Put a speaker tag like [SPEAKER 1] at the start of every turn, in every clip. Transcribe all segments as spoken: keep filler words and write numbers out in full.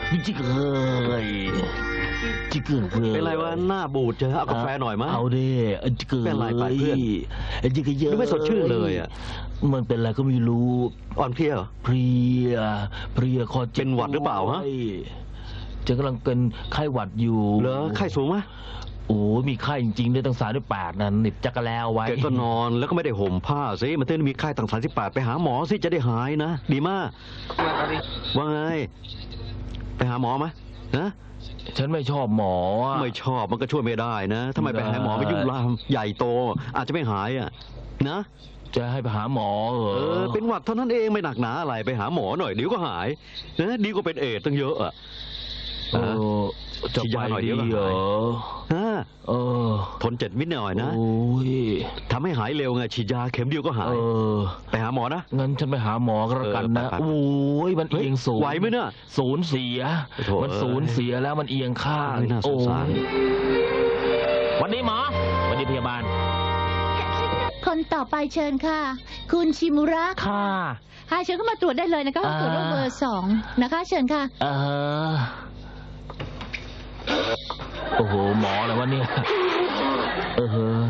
[SPEAKER 1] จิกเอ้ยจิกเอ้ย
[SPEAKER 2] เป็นไรวะหน้าบูดเจอเอากาแฟหน่อยมั้ย
[SPEAKER 1] เอาดิจิกเอ้ย
[SPEAKER 2] เป็นไรไปเพื่อน
[SPEAKER 1] จิกเยอะ
[SPEAKER 2] ไม่สดชื่นเลยอ่ะ
[SPEAKER 1] มันเป็นอะไรก็ไม่รู้
[SPEAKER 2] อ่อนเพลียเหรอ
[SPEAKER 1] เพลียเพลียคอเจ็บ
[SPEAKER 2] เป็นหวัดหรือเปล่าฮะ
[SPEAKER 1] จะกำลังเป็นไข้หวัดอยู่
[SPEAKER 2] เหรอไข้สูงไหม
[SPEAKER 1] โอ้มีไข้จริงๆด้วยตั้งสามสิบแปดนั่นหนิบจักรแล้วไว้
[SPEAKER 2] แกก็นอนแล้วก็ไม่ได้ห่มผ้าสิมันเต้นมีไข้ตั้งสามสิบแปดไปหาหมอสิจะได้หายนะดีมากว่าไงไปหาหมอไหมนะ
[SPEAKER 1] ฉันไม่ชอบหมอ
[SPEAKER 2] ไม่ชอบมันก็ช่วยไม่ได้นะทำไมไปหาหมอไปยุ่งลามใหญ่โตอาจจะไม่หายอ่ะนะ
[SPEAKER 1] จะให้ไปหาหมอเหรอ
[SPEAKER 2] เออเป็นหวัดเท่านั้นเองไม่หนักหนาอะไรไปหาหมอหน่อยเดี๋ยวก็หายนะดีกว่าเป็นเอดตั้งเยอะอ่ะ
[SPEAKER 1] เออจะไปหน่อยเดียวเหรอ
[SPEAKER 2] ฮะเออทนเจ็ดมิตรหน่อยนะโอ้ยทำให้หายเร็วไงฉีดยาเข็มเดียวก็หายไปหาหมอนะ
[SPEAKER 1] งั้นฉันไปหาหมอก็แล้วกันนะโอ้ยมันเอียงสูง
[SPEAKER 2] ไหวไหมเนี่ย
[SPEAKER 1] ศูนย์เสียมันศูนย์เสียแล้วมันเอียงข้าง
[SPEAKER 2] น่าสงสาร
[SPEAKER 1] วันนี้หมอวันนี้พยาบาล
[SPEAKER 3] คนต่อไปเชิญค่ะคุณชิมุระ
[SPEAKER 1] ค่ะ
[SPEAKER 3] ค่ะเชิญเข้ามาตรวจได้เลยนะคะตรวจโรคเบอร์สองนะคะเชิญค่ะ
[SPEAKER 1] เออโอ้โหหมออะไรวะเนี่ยเออ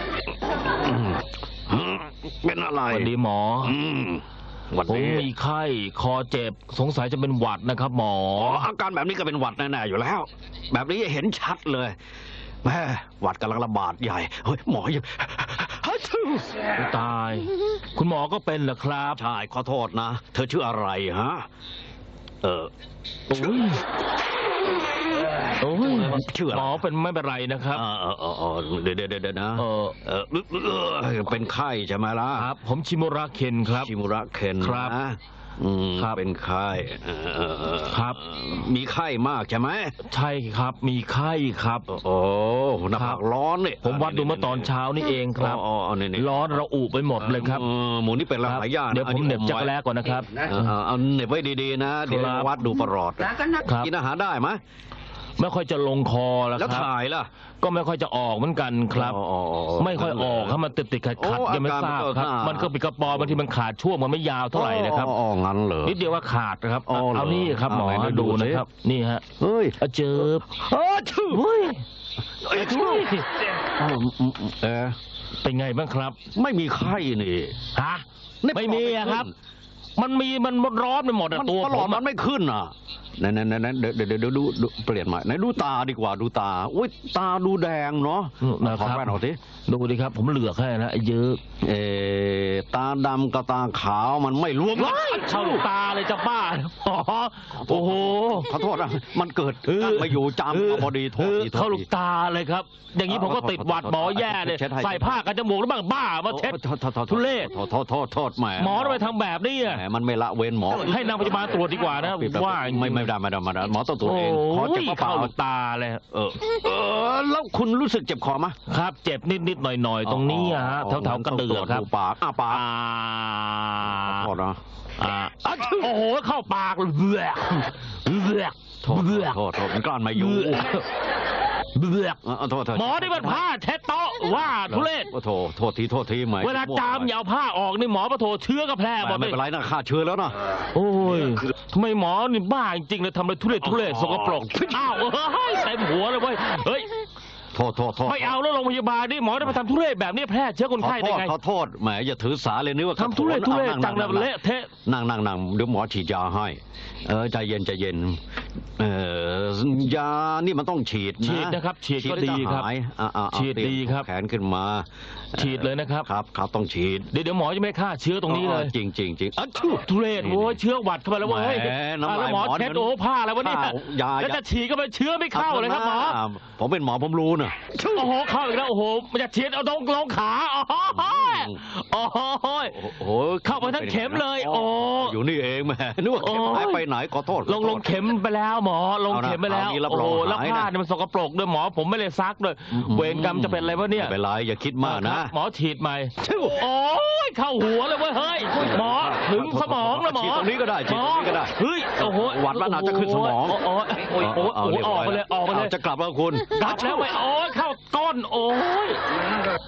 [SPEAKER 2] เป็นอะไร
[SPEAKER 1] วันดีหมอผมมีไข้คอเจ็บสงสัยจะเป็นหวัดนะครับหมอ
[SPEAKER 2] อาการแบบนี้ก็เป็นหวัดแน่ๆอยู่แล้วแบบนี้เห็นชัดเลยแม่หวัดกำลังระบาดใหญ่เฮ้ยหมอยัง
[SPEAKER 1] ตายคุณหมอก็เป็นเหรอครับ
[SPEAKER 2] ใช่ขอโทษนะเธอชื่ออะไรฮะเออ
[SPEAKER 1] โอ้ยโอ้ยชื่อหมอเป็นไม่เป็นไรนะครับ
[SPEAKER 2] เออเออเดี๋ยวเดี๋ยวเดี๋ยวนะเออเออเป็นไข้ใช่ไหมล่ะ
[SPEAKER 1] ครับผมชิมุระเคนครับ
[SPEAKER 2] ชิมุระเคน
[SPEAKER 1] ครับ
[SPEAKER 2] อืมเป็นไข้
[SPEAKER 1] ครับ
[SPEAKER 2] มีไข้มากใช่ไหม
[SPEAKER 1] ใช่ครับมีไข้ครับ
[SPEAKER 2] โอ้หน้าผากร้อนเนี่ย
[SPEAKER 1] ผมวัดดูเมื่อตอนเช้านี่เองครับร้อนระอุไปหมดเลยครับ
[SPEAKER 2] หมูนี่เป็นหลายอย่าง
[SPEAKER 1] เดี๋ยวผมเหน็บจักรแลก่อนนะครับ
[SPEAKER 2] เอาเหน็บไว้ดีๆนะเดี๋ยววัดดูประหลอดกินอาหารได้ไหม
[SPEAKER 1] ไม่ค่อยจะลงคอแล้วครับ
[SPEAKER 2] แล้วถ่ายล่ะ
[SPEAKER 1] ก็ไม่ค่อยจะออกเหมือนกันครับไม่ค่อยออกครับมันติดติดขัดขัดยังไม่ทราบครับมันก็เป็นกระปอบางทีมันขาดช่วงมันไม่ยาวเท่าไหร่นะครับ
[SPEAKER 2] อ๋องั้นเหรอ
[SPEAKER 1] นิดเดียวว่าขาดนะครับเอานี่ครับหมอดูนะครับนี่ฮะ
[SPEAKER 2] เฮ้ย
[SPEAKER 1] เจิบ
[SPEAKER 2] เฮ้ยเฮ้ยเออ
[SPEAKER 1] เป็นไงบ้างครับ
[SPEAKER 2] ไม่มีไข้นี่
[SPEAKER 1] ฮะไม่มีครับมันมีมันร้อนไปหมดอะตัว
[SPEAKER 2] ผมมันไม่ขึ้นอ่ะนั่นนั่นนั่นเดี๋ยวเดี๋ยวดูดูเปลี่ยนใหม่ไหนดูตาดีกว่าดูตาอุ้ยตาดูแดงเนาะ
[SPEAKER 1] ขอแว่นหน่อย
[SPEAKER 2] สิ
[SPEAKER 1] ดูดิครับผมเหลือกแค่นะเยอะ
[SPEAKER 2] เออตาดำกับตาขาวมันไม่รวม
[SPEAKER 1] เข้าตาเลยจะบ้าโอ้โห
[SPEAKER 2] ขอโทษนะมันเกิดมาอยู่จำพอดีโทษ
[SPEAKER 1] เข้าลูกตาเลยครับอย่างนี้ผมก็ติดหวัดหมอแย่เลยใส่ผ้ากันจมูกแล้วบ้างบ้ามาเช็ดทุเรศ
[SPEAKER 2] โทษโทษโทษโทษแหม
[SPEAKER 1] หมอทำไมทำแบบนี้อ่ะ
[SPEAKER 2] มันไม่ละเว้นหมอ
[SPEAKER 1] ให้นางพยาบาลตรวจดีกว่านะว่า
[SPEAKER 2] ไม่ไม่ได้ไม่ได้ไม่ได้หมอต้องตรวจเอง
[SPEAKER 1] ขอเจ็บเข้าตาเลย
[SPEAKER 2] เออเออแล้วคุณรู้สึกเจ็บคอไหม
[SPEAKER 1] ครับเจ็บนิดนิดหน่อยหน่อยตรงนี้ฮะแถวแถวกระเดือกครับ
[SPEAKER 2] ปากอ้าปากพอนะ
[SPEAKER 1] โอ้โหเข้าปากเบือกเบือก
[SPEAKER 2] โทษโทษโทษมันกลั้นมาอยู่
[SPEAKER 1] เบือกหมอที่มันผ้าเช็ดโต๊ะว่าทุเรศ
[SPEAKER 2] โทษโทษทีโทษทีไหม
[SPEAKER 1] เวลาจามยาวผ้าออกนี่หมอปะโถเชื้อก็แพร่หมด
[SPEAKER 2] ไม่เป็นไรนะฆ่าเชื้อแล้วนะ
[SPEAKER 1] โอ้ยทำไมหมอนี่บ้าจริงเลยทำอะไรทุเรศทุเรศสกปรกอ้าวเฮ้ยเต็มหัวเลยเว้ยเฮ้ย
[SPEAKER 2] โทษโทษโทษ
[SPEAKER 1] ไม่เอาแล้วโรงพยาบาลนี่หมอได้มาทำทุเรศแบบนี้แพร่เชื้อคนไข้ได้ไง
[SPEAKER 2] ขอโทษแหมอย่าถือสาเลยนึกว่า
[SPEAKER 1] ทำทุเรศทุเรศจังเลยเละเทะ
[SPEAKER 2] นั่งนั่งนั่งเดี๋ยวหมอฉีดยาให้เออใจเย็นใจเย็นเออยานี่มันต้องฉีดนะ
[SPEAKER 1] ฉีดนะครับฉีดก็ดีครับฉีดดีครับ
[SPEAKER 2] แขนขึ้นมา
[SPEAKER 1] ฉีดเลยนะครับ
[SPEAKER 2] ครับครับต้องฉีด
[SPEAKER 1] เดี๋ยวเดี๋ยวหมอจะไม่ฆ่าเชื้อตรงนี้เลย
[SPEAKER 2] จริงจริงจริง
[SPEAKER 1] ทุเรศโอ้ยเชื้อหวัดเข้าไปแล้วเว้ยแล้วหมอเช็ดโอ้ผ้าอะไรวะเนี่ยแล้วจะฉีดก็ไปเชื้อไม่เข้าเลยครับหมอ
[SPEAKER 2] ผมเป็นหมอผมรู้นะ
[SPEAKER 1] โอ้โหเข้าอีกแล้วโอ้โหมันจะฉีดเอาตรงลงขาโอ้โหโอ้โหเข้าไปทั้งเข็มเลยโอ้
[SPEAKER 2] อยู่นี่เองแม่นึกว่าเข็มหายไปไหนขอโทษ
[SPEAKER 1] ลงลงเข็มไปแล้วหมอลงเข็มไปแล้วโอ้โหแล้วผ้าเนี่ยมันสกปรกด้วยหมอผมไม่เลยซักด้วยเวรกรรมจะเป็นอะไรวะเนี่ย
[SPEAKER 2] ไม่เป็นไรอย่าคิดมากนะ
[SPEAKER 1] หมอฉีดใหม่โอ้ยเข้าหัวเลยเว้ยเฮ้ยหมอถึงสมองแล้วหมอ
[SPEAKER 2] ฉีดตรงนี้ก็ได้ฉีดตรงนี้ก็ได้
[SPEAKER 1] เฮ้ยโอ้โห
[SPEAKER 2] หวัดมันอาจจะขึ้นสมอง
[SPEAKER 1] โอ้ยโอ้ยโอ้ยออกไปเลยออกไปเลย
[SPEAKER 2] จะกลับแล้วคุณ
[SPEAKER 1] กลับแล้วไปโอ้ยเข้าก้นโอ้ย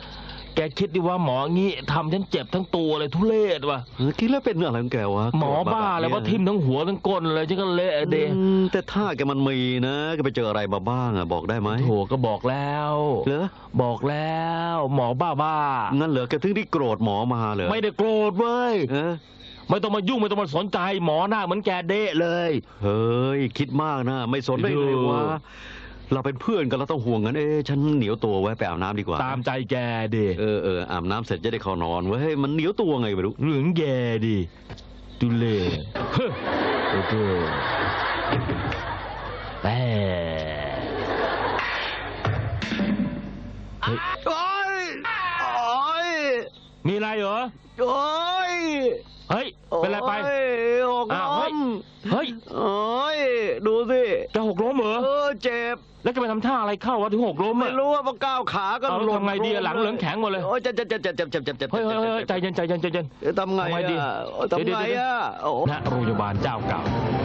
[SPEAKER 1] แกคิดดิว่าหมองี้ทำฉันเจ็บทั้งตัวเลยทุเรศว่ะ
[SPEAKER 2] เออคิดแล้วเป็นอะไรของแกวะ
[SPEAKER 1] หมอบ้าแล้วว่าทิ่มทั้งหัวทั้งก้นเลยฉันก็เละเด
[SPEAKER 2] อืมแต่ถ้าแกมันมีนะแกไปเจออะไรมาบ้างอะบอกได้ไหม
[SPEAKER 1] โถก็บอกแล้ว
[SPEAKER 2] เหรอ
[SPEAKER 1] บอกแล้ว หมอบ้าบ้า
[SPEAKER 2] งั้นเหรอแกถึงได้โกรธหมอมาเหรอ
[SPEAKER 1] ไม่ได้โกรธเว้ย
[SPEAKER 2] เออ
[SPEAKER 1] ไม่ต้องมายุ่งไม่ต้องมาสนใจหมอหน้าเหมือนแกเดะเลย
[SPEAKER 2] เฮ้ยคิดมากนะไม่สนได้ไงวะเราเป็นเพื่อนกันเราต้องห่วงกันเอ๊ะฉันเหนียวตัวไว้ไปอาบน้ำดีกว่า
[SPEAKER 1] ตามใจแกดิ
[SPEAKER 2] เออเอออาบน้ำเสร็จจะได้เข้านอนเว้ยมันเหนียวตัวไงไม่รู้
[SPEAKER 1] เหลืองแกดิดูเล่เฮ้อโอ้โหแหมเฮ้ย
[SPEAKER 2] โอ้ยโอ้ย
[SPEAKER 1] มีอะไรเหรอ
[SPEAKER 2] โอ้ย
[SPEAKER 1] เฮ้ย เป็นไรไป
[SPEAKER 2] โอ้ยหก
[SPEAKER 1] อ้าว
[SPEAKER 2] ล้
[SPEAKER 1] เฮ้ย
[SPEAKER 2] ม
[SPEAKER 1] เฮ้ย
[SPEAKER 2] โอ้ยดูสิ
[SPEAKER 1] จะหกล้มเหรอ
[SPEAKER 2] เออเจ็บ
[SPEAKER 1] แล้วจะไปทำท่าอะไรเข้าวะถึงหกล้ม
[SPEAKER 2] ไม่
[SPEAKER 1] อะ
[SPEAKER 2] รู้ว่าพอก้าวขาก็
[SPEAKER 1] เอาแล้ว
[SPEAKER 2] หล่น
[SPEAKER 1] ทำไงดีอะหลังเหลืองแข็งหมดเลย
[SPEAKER 2] โอ้ยเจ็บเจ็บเจ็บเจ็บเจ็บเจ็บเจ็บเจ็บ
[SPEAKER 1] เฮ้ยเฮ้ยเฮ้ยใจเย็นใจเย็นใจเย็น
[SPEAKER 2] เอ๊ะทำไง
[SPEAKER 1] ทำไงดี
[SPEAKER 2] อ่ะทำไงอ่ะโอ้
[SPEAKER 1] ณโรงพยาบาลเจ้าเก่า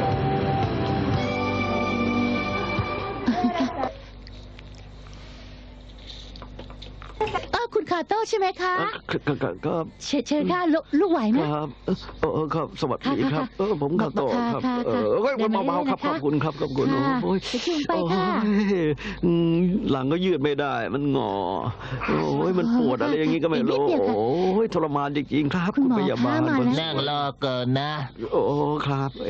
[SPEAKER 3] เออคุณคาโต้ใช่ไหมคะ
[SPEAKER 2] ก็ก็ก็
[SPEAKER 3] เชิญเชิญค่ะลูกลูกไหวไหม
[SPEAKER 2] ครับเออเออครับสวัสดีค
[SPEAKER 3] ค่ะ
[SPEAKER 2] รับ เออผมขับต่อครับ
[SPEAKER 3] ค่ะ
[SPEAKER 2] เอ
[SPEAKER 3] ค่ะ
[SPEAKER 2] อเฮ้ย
[SPEAKER 3] เดินมา
[SPEAKER 2] เบาๆครับ
[SPEAKER 3] เรื่
[SPEAKER 2] ข
[SPEAKER 3] อยๆนะคะ
[SPEAKER 2] อบคุณครับขอบคุณ
[SPEAKER 3] ค่ะ
[SPEAKER 2] โอ้ย
[SPEAKER 3] ไปชิมไปค่ะ
[SPEAKER 2] โอ้ยอืมหลังก็ยืดไม่ได้ มันงอโอ้ยมันปวดอะไรอย่างงี้ก็ไม่รู้
[SPEAKER 3] อีกนิดเดียวค่ะ
[SPEAKER 2] โอ้ยทรมานจริงๆครับ
[SPEAKER 3] คุณหมอ
[SPEAKER 2] พยาบาล
[SPEAKER 3] คะมาแล้ว
[SPEAKER 1] นั่งรอเกินนะ
[SPEAKER 2] โอ้ครับเอง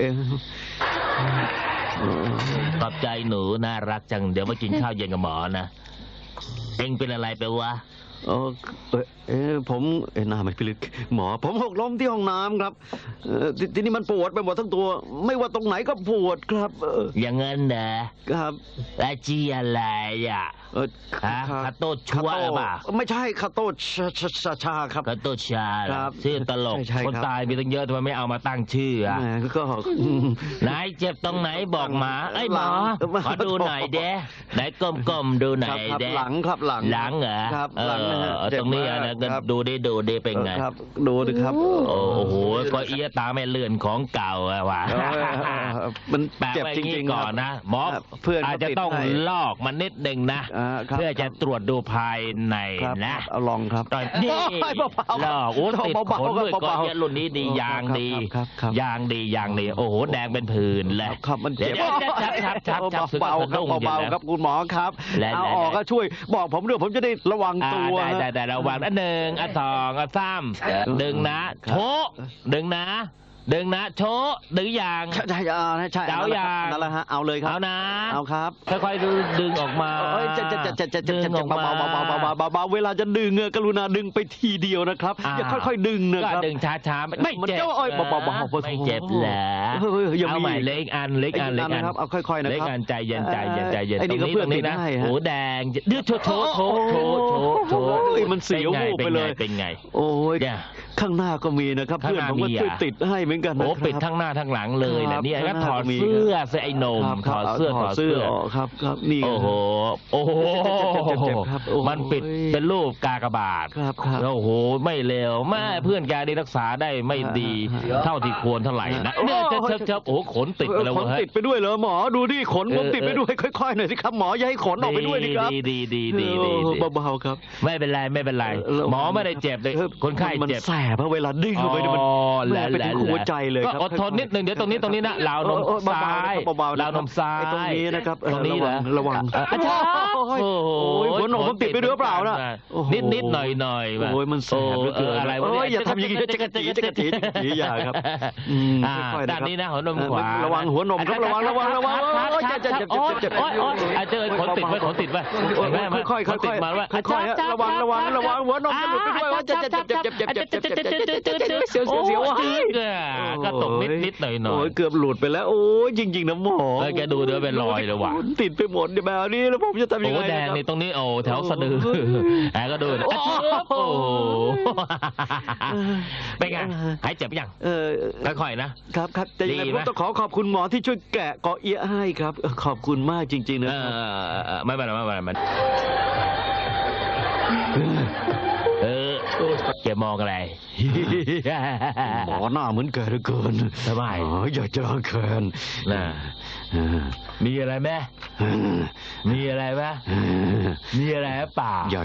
[SPEAKER 1] ขอบใจหนูน่ารักจังเดี๋ยวมากินข้าวเย็นกับหมอนะเอ็งเป็นอะไรไปวะ
[SPEAKER 2] เออเอ่อเอ๊ะผมเอ๊ะหน้าไม่พิลึกหมอ ผมหกล้มที่ห้องน้ำครับเอ่อททีนี้มันปวดไปหมดทั้งตัว ไม่ว่าตรงไหนก็ปวดครับ เออ
[SPEAKER 1] อย่างงั้นนะครับ แล้วจีอะไรอ่ะ
[SPEAKER 2] เออ
[SPEAKER 1] ฮะคาโต้ชัวร์หรือเปล่า
[SPEAKER 2] ไม่ใช่คาโต้ชาชาชาชาครับ
[SPEAKER 1] คาโต้ชาเหรอ
[SPEAKER 2] ครับ
[SPEAKER 1] ชื่อตลก
[SPEAKER 2] ใช่ใช่ครับ
[SPEAKER 1] คนตายมีตั้งเยอะทำไมไม่เอามาตั้งชื่ออ่ะ
[SPEAKER 2] แหมก็
[SPEAKER 1] ไหนเจ็บตรงไหนบอกหมาไอ้ยหมอ
[SPEAKER 2] หลัง
[SPEAKER 1] ขอดูหน่อยเด้ไหนก้มๆดูหน่
[SPEAKER 2] ค
[SPEAKER 1] อ
[SPEAKER 2] รับ
[SPEAKER 1] ย
[SPEAKER 2] ครับ
[SPEAKER 1] เด้
[SPEAKER 2] หลังครับหลัง
[SPEAKER 1] หลังเหรอ
[SPEAKER 2] ครับ
[SPEAKER 1] เอ
[SPEAKER 2] หลังนะฮะ
[SPEAKER 1] อตรงนี้อะนะ
[SPEAKER 2] เจ็บ
[SPEAKER 1] ก็
[SPEAKER 2] มากครับ
[SPEAKER 1] ดูดิดูดิเป็นไง
[SPEAKER 2] ครับดูดิครับ
[SPEAKER 3] โอ้
[SPEAKER 1] โอ้โหก็เอียตาไม่เลื่อนของเก่าอะว่ะ
[SPEAKER 2] เออมัน
[SPEAKER 1] แปล
[SPEAKER 2] เจ็บ
[SPEAKER 1] ไว้
[SPEAKER 2] จ
[SPEAKER 1] งี้
[SPEAKER 2] ริงๆ
[SPEAKER 1] ก่อน
[SPEAKER 2] ครับ
[SPEAKER 1] นะหมอ
[SPEAKER 2] ครับเพื่อน
[SPEAKER 1] อาจจะต้อง
[SPEAKER 2] เขาติดให้
[SPEAKER 1] ลอกมันนิดหนึ่งนะ
[SPEAKER 2] อ่าครับ
[SPEAKER 1] เพื่อจะตรวจดูภายใน
[SPEAKER 2] ครับ
[SPEAKER 1] นะ
[SPEAKER 2] เอาลองครับ
[SPEAKER 1] ตอนนี่
[SPEAKER 2] โอ้ยเบาๆ
[SPEAKER 1] ลอกโอ้ติด
[SPEAKER 2] เบา
[SPEAKER 1] ข
[SPEAKER 2] ๆ
[SPEAKER 1] นด้วย
[SPEAKER 2] ครับ
[SPEAKER 1] ก็
[SPEAKER 2] เบาๆ
[SPEAKER 1] เยอะรุ่นนี้ดี
[SPEAKER 2] โอ้
[SPEAKER 1] ยางดี
[SPEAKER 2] ครับครับครับ
[SPEAKER 1] ยางดียางดีโอ้โหแดงเป็นผื่นเลย
[SPEAKER 2] ครับมันเจ็บ
[SPEAKER 1] เดี๋ยวๆชับชับชับชับ
[SPEAKER 2] เบาๆครับเบาๆครับคุณหมอครับ
[SPEAKER 1] และ
[SPEAKER 2] เอา
[SPEAKER 1] และ
[SPEAKER 2] ออกก็ช่วยบอกผมด้วยผมจะได้ระวัง
[SPEAKER 1] อ่า
[SPEAKER 2] ตัว
[SPEAKER 1] ได้ได้ได้ระวังนะหนึ่งอ่ะสองอ่ะสามดึงนะโชะดึงนะ ดึงนะโชะดึงอย่าง
[SPEAKER 2] ใช่ใช่อ่าใช่
[SPEAKER 1] เดาอย่าง
[SPEAKER 2] นั่นแหละฮะเอาเลยครับ
[SPEAKER 1] เอานะ
[SPEAKER 2] เอาครับ
[SPEAKER 1] ค่อยๆดึงดึงออกมา
[SPEAKER 2] เอ้ยจะจะจะจะจะจะ
[SPEAKER 1] ดึ
[SPEAKER 2] จะ
[SPEAKER 1] งออก
[SPEAKER 2] เบา
[SPEAKER 1] มา
[SPEAKER 2] เบาเบาเบาเบาเบาเบาเวลาจะดึงเงกรุณาดึงไปทีเดียวนะครับ
[SPEAKER 1] อ่า
[SPEAKER 2] อย่าค่อยๆดึงนะ
[SPEAKER 1] ก็
[SPEAKER 2] ครับ
[SPEAKER 1] ดึงช้าๆไม่ไม่
[SPEAKER 2] มัน
[SPEAKER 1] เจ็บ
[SPEAKER 2] จะโอ้ย
[SPEAKER 1] หรอ
[SPEAKER 2] เบาๆเบาๆ
[SPEAKER 1] ไม่เจ็บเหรอ
[SPEAKER 2] เฮ้ยเฮ้ยยังมี
[SPEAKER 1] เอาใหม่เล็กอันเล็กอันเล็กอัน
[SPEAKER 2] นะครับเอาค่อยๆนะ
[SPEAKER 1] เล็ก
[SPEAKER 2] ครับ
[SPEAKER 1] อันใจเย็นใจเย็นใจเย็น
[SPEAKER 2] ไอ้นี่
[SPEAKER 1] ต
[SPEAKER 2] ก็
[SPEAKER 1] รงนี้
[SPEAKER 2] เพื่
[SPEAKER 1] ต
[SPEAKER 2] อน
[SPEAKER 1] รงนี้
[SPEAKER 2] ติด
[SPEAKER 1] นะ
[SPEAKER 2] ให้ฮะ
[SPEAKER 1] โอ้แดงดื้อโชว์โชว์โชว์โชว์โชว์โชว์
[SPEAKER 2] เฮ้ยมันเสียววูบไปเลย
[SPEAKER 1] เป็นไง
[SPEAKER 2] โอ้ย
[SPEAKER 1] เนี่ย
[SPEAKER 2] ข้างหน้าก็มีนะครับ
[SPEAKER 1] ข้าง
[SPEAKER 2] เพื่อน
[SPEAKER 1] หน้า
[SPEAKER 2] ผมก็
[SPEAKER 1] มี
[SPEAKER 2] ช่วย
[SPEAKER 1] อ่ะ
[SPEAKER 2] ติดให้เหมือนกันนะ
[SPEAKER 1] โอ้
[SPEAKER 2] ครับ
[SPEAKER 1] ปิดทั้งหน้าทั้งหลังเลย
[SPEAKER 2] ครั
[SPEAKER 1] นะ
[SPEAKER 2] บ
[SPEAKER 1] เนี่ยก็
[SPEAKER 2] ข้างหน้า
[SPEAKER 1] ถอด
[SPEAKER 2] ก็มี
[SPEAKER 1] เสื้อเสื้อไอ้หนม
[SPEAKER 2] ครับ
[SPEAKER 1] ถอดเสื้อ
[SPEAKER 2] ถ
[SPEAKER 1] ถ
[SPEAKER 2] อ
[SPEAKER 1] อ
[SPEAKER 2] ด
[SPEAKER 1] ด
[SPEAKER 2] เสื้
[SPEAKER 1] เสื้
[SPEAKER 2] อ
[SPEAKER 1] อ
[SPEAKER 2] ออกครับครับนี่
[SPEAKER 1] โอ้โหโอ้โห
[SPEAKER 2] เจ็บๆครับโอ้โห
[SPEAKER 1] มันปิดเป็นรูปกากบาท
[SPEAKER 2] ครับครับ
[SPEAKER 1] โอ้โหไม่เลวแม่เพื่อนแกได้รักษาได้ไม่ดี เท่าที่ควรเท่าไหร่นะเนี่ยเชิบเชิบเชิบโอ้โหขนติดไปแล้ว
[SPEAKER 2] ขน
[SPEAKER 1] เว้ย
[SPEAKER 2] ติดไปด้วยเหรอหมอดูดิขนผม
[SPEAKER 1] เออ
[SPEAKER 2] ติดไปด้วยค่อยๆหน่อยสิครับหมออย่าให้ขนออกไปด้วยดิครับ
[SPEAKER 1] ดีดีดีดีดี
[SPEAKER 2] เอ
[SPEAKER 1] ดี
[SPEAKER 2] อเบาๆครับ
[SPEAKER 1] ไม่เป็นไรไม่เป็นไร
[SPEAKER 2] เออ
[SPEAKER 1] หมอไม่ได้เจ็บเลย
[SPEAKER 2] ออ
[SPEAKER 1] คนไข้
[SPEAKER 2] มัน
[SPEAKER 1] เจ็บ
[SPEAKER 2] แสบเพราะเวลาดึงเข้าไปเนี่ยมัน
[SPEAKER 1] อ๋อ
[SPEAKER 2] แม่ไปถึงหัวใจเลย
[SPEAKER 1] ก็
[SPEAKER 2] ครับ
[SPEAKER 1] อดทนนิดหนึ่งเดี๋ยวตรงนี้ตรงนี้นะราวนม
[SPEAKER 2] เออเบาๆ
[SPEAKER 1] ซ้าย
[SPEAKER 2] นะครับเบาๆนะครับ
[SPEAKER 1] ราวนมซ้าย
[SPEAKER 2] ไอ้ตรงนี้นะครับเออ
[SPEAKER 1] ตรงนี้เหรอ
[SPEAKER 2] ระวัง
[SPEAKER 1] อ่ะอาจารย์
[SPEAKER 2] โอ้ย
[SPEAKER 1] โอ้โห
[SPEAKER 2] โอ้ยหัวนมผมติดไปด้วยหรือเปล่าน่ะโอ้โห
[SPEAKER 1] นิดนิดหน่อยหน่อยๆ
[SPEAKER 2] โอ้ยมันแสบเหลือเกิน
[SPEAKER 1] อะไรวะ
[SPEAKER 2] โอ้
[SPEAKER 1] เนี่ย
[SPEAKER 2] อย่าทำอย่างนี้จะกระจีจะกระจีจะกระจีอย่าครับอืม
[SPEAKER 1] อ่า
[SPEAKER 2] ค่อยๆนะครับ
[SPEAKER 1] ด้านนี้นะหัวนมขวา
[SPEAKER 2] ระวังหัวนมครับระวังระวังระวัง
[SPEAKER 1] ครับ
[SPEAKER 2] โอ้ย
[SPEAKER 1] ค
[SPEAKER 2] เจ็
[SPEAKER 1] รั
[SPEAKER 2] บบ เจ็บเจ็บ
[SPEAKER 1] โอ้ย
[SPEAKER 2] เจ็บ
[SPEAKER 1] โอ้ยโอ้ยอ่ะเจอขนติดไว้ขนติดไว้
[SPEAKER 2] โอ้ย
[SPEAKER 1] เห็นไหม
[SPEAKER 2] ค่อยๆค่อยๆ
[SPEAKER 1] ขนติดมาไว้
[SPEAKER 2] ค่อยๆฮะระวังระวังระวังหัวนมจะหลุดไปด้วยว่าเจ็บเจ็บเจ็บเจ็บเจ็บเจ็บเจ็บเจ็บเจ็บเจ็บเจ็บเจ็บเจ็บเสียวเสียวเสียว
[SPEAKER 1] โอ้ยจึ๊กอ่ะก็ตกนิดนิดหน่อยหน่อ
[SPEAKER 2] โอ้
[SPEAKER 1] ย
[SPEAKER 2] ยเกือบหลุดไปแล้วโอ้ยจริงๆนะหมอ
[SPEAKER 1] เออแกดูเดี๋ยวเป็นรอยเลยว่ะ
[SPEAKER 2] ติดไปหมดเนี่ยแบบนี้แล้วผมจะทำยัง
[SPEAKER 1] โอ้
[SPEAKER 2] ไง
[SPEAKER 1] แดงในตรงนี้โอ้แถวสะดือแหมก็ดูนะโอ้โหเป็นไงหายเจ็บยัง
[SPEAKER 2] เออ
[SPEAKER 1] ค่อยๆนะครับ
[SPEAKER 2] ครับแต่ยังไง
[SPEAKER 1] ดี
[SPEAKER 2] ผ
[SPEAKER 1] ไหม
[SPEAKER 2] มต้องขอขอบคุณหมอที่ช่วยแกะเกาะเอียะให้ครับเออขอบคุณมากจริง ๆ นะ
[SPEAKER 1] เอ
[SPEAKER 2] ครับ
[SPEAKER 1] อไม่เป็นไรไม่เป็นไรมันเออแกมองอะไร
[SPEAKER 2] หมอหน้าเหมือนแกเหลือเกิน
[SPEAKER 1] ทำไม
[SPEAKER 2] อ๋ออยากจะล้างแค้น
[SPEAKER 1] น่ะมีอะไรไหมมีอะไรไหมมีอะไรหรือเปล่า